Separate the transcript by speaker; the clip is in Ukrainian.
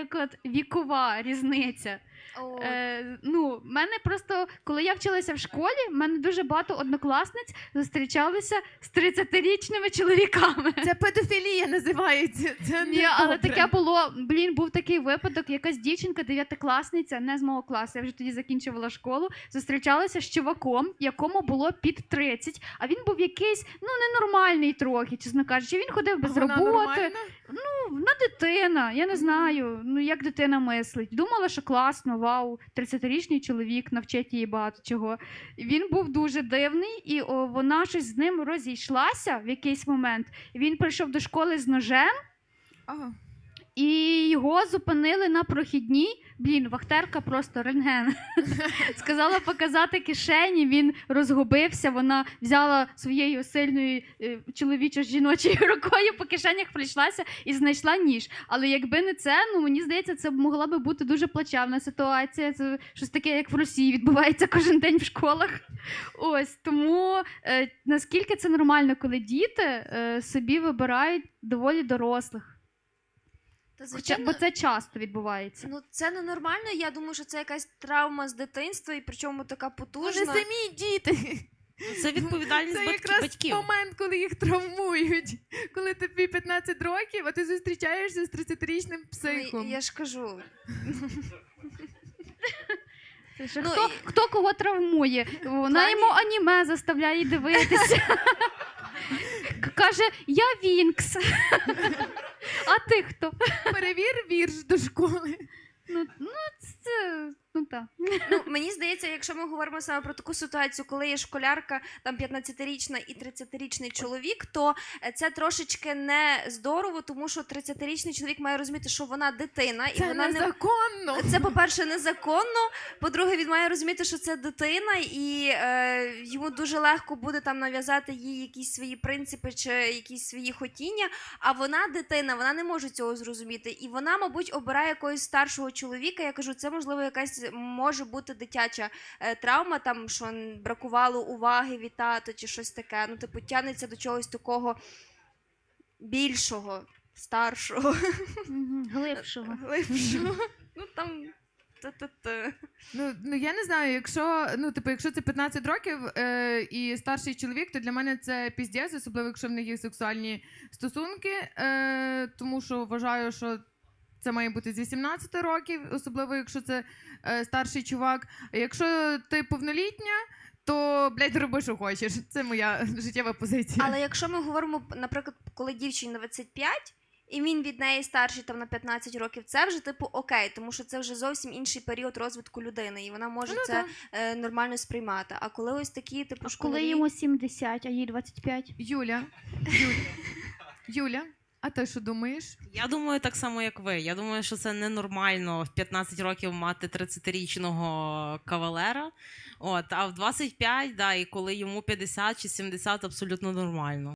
Speaker 1: наприклад, вікова різниця. Ну, мене просто, коли я вчилася в школі, в мене дуже багато однокласниць зустрічалися з 30-річними чоловіками.
Speaker 2: Це педофілія називається. Це
Speaker 1: Ні, але таке було, був такий випадок, якась дівчинка, 9-класниця, не з мого класу, я вже тоді закінчувала школу, зустрічалася з чуваком, якому було під 30, а він був якийсь, ну, ненормальний трохи, чесно кажучи, він ходив без роботи. Ну, вона дитина, я не знаю, ну, як дитина мислить. Думала, що класно, вау, 30-річний чоловік навчить її багато чого. Він був дуже дивний, і вона щось з ним розійшлася в якийсь момент. Він прийшов до школи з ножем, і його зупинили на прохідній. Вахтерка просто рентген. Сказала показати кишені, він розгубився, вона взяла своєю сильною чоловічо-жіночою рукою по кишенях прийшлася і знайшла ніж. Але якби не це, ну мені здається, це могла би бути дуже плачевна ситуація. Це щось таке, як в Росії, відбувається кожен день в школах. Ось, тому наскільки це нормально, коли діти собі вибирають доволі дорослих.
Speaker 3: Звичайно,
Speaker 1: бо це часто відбувається.
Speaker 3: Ну, це ненормально, я думаю, що це якась травма з дитинства, і причому така потужна.
Speaker 2: Вони самі діти.
Speaker 4: Це відповідальність
Speaker 2: батьків.
Speaker 4: Це якраз
Speaker 2: момент, коли їх травмують. Коли тобі 15 років, а ти зустрічаєшся з 30-річним психом.
Speaker 3: Ну, я ж кажу.
Speaker 1: Хто кого травмує? Вона йому аніме заставляє дивитися. Каже, я Вінкс. А ти хто?
Speaker 2: Перевір вірш до школи.
Speaker 1: Так.
Speaker 3: Ну, мені здається, якщо ми говоримо саме про таку ситуацію, коли є школярка, там 15-річна і 30-річний чоловік, то це трошечки не здорово, тому що 30-річний чоловік має розуміти, що вона дитина. І
Speaker 2: це
Speaker 3: вона
Speaker 2: незаконно.
Speaker 3: Це, по-перше, незаконно, по-друге, він має розуміти, що це дитина, і йому дуже легко буде там нав'язати їй якісь свої принципи чи якісь свої хотіння, а вона дитина, вона не може цього зрозуміти. І вона, мабуть, обирає якогось старшого чоловіка. Я кажу, це, можливо, якась може бути дитяча травма, там, що бракувало уваги від тата чи щось таке. Ну, типу, тягнеться до чогось такого більшого, старшого.
Speaker 1: Глибшого.
Speaker 3: Ну, там...
Speaker 2: Ну, я не знаю, якщо це 15 років і старший чоловік, то для мене це піздець, особливо, якщо в них є сексуальні стосунки, тому що вважаю, що це має бути з 18 років, особливо, якщо це старший чувак. А якщо ти повнолітня, то, блядь, роби, що хочеш. Це моя життєва позиція.
Speaker 3: Але якщо ми говоримо, наприклад, коли дівчині 25, і він від неї старший там на 15 років, це вже типу окей, тому що це вже зовсім інший період розвитку людини, і вона може це нормально сприймати. А коли ось такі, типу, школярі...
Speaker 1: Коли йому 70, а їй 25?
Speaker 2: Юля, а ти що думаєш?
Speaker 4: Я думаю так само, як ви. Я думаю, що це ненормально в 15 років мати 30-річного кавалера. А в 25, і коли йому 50 чи 70, абсолютно нормально.